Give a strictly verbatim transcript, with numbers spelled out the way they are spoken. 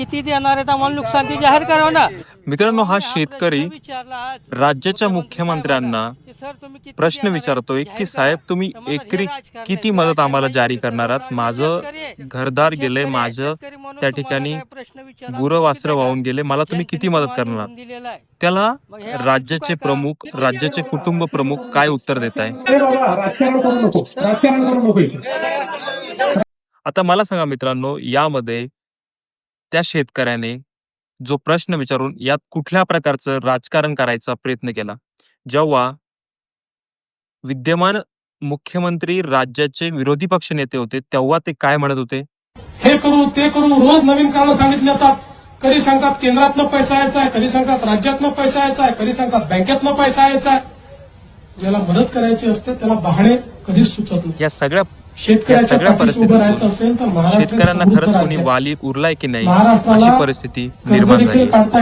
किती देणार आहेत आम्हाला नुकसान ते जाहीर करा ना. मित्रांनो, हा शेतकरी राज्याच्या मुख्यमंत्र्यांना प्रश्न विचारतोय की साहेब, तुम्ही एकरी किती मदत आम्हाला जारी करणार आहात? माझं घरदार गेले, माझं त्या ठिकाणी गुरं वासरं वाहून गेले, मला तुम्ही किती मदत करणार आहात? त्याला राज्याचे प्रमुख, राज्याचे कुटुंब प्रमुख काय उत्तर देत आहे? आता मला सांगा मित्रांनो, यामध्ये त्या शेतकऱ्याने जो प्रश्न विचारून यात कुठल्या प्रकारचं राजकारण करायचा प्रयत्न केला? जेव्हा विद्यमान मुख्यमंत्री राज्याचे विरोधी पक्ष नेते होते तेव्हा ते काय म्हणत होते? हे करू ते करू, रोज नवीन कारणं सांगितली जातात. कधी सांगतात केंद्रातनं पैसा यायचा आहे, कधी सांगतात राज्यातनं पैसा यायचा आहे, कधी सांगतात बँकेतनं पैसा यायचा आहे. ज्याला मदत करायची असते त्याला बहाणे कधीच सुचत नाही. या सगळ्या शेतकऱ्याच्या सगळ्या पाठीशी उभं राहायचं असेल तर परिस्थितीत शेतकऱ्यांना खरंच कोणी वाली उरलाय की नाही, अशी परिस्थिती निर्माण झाली.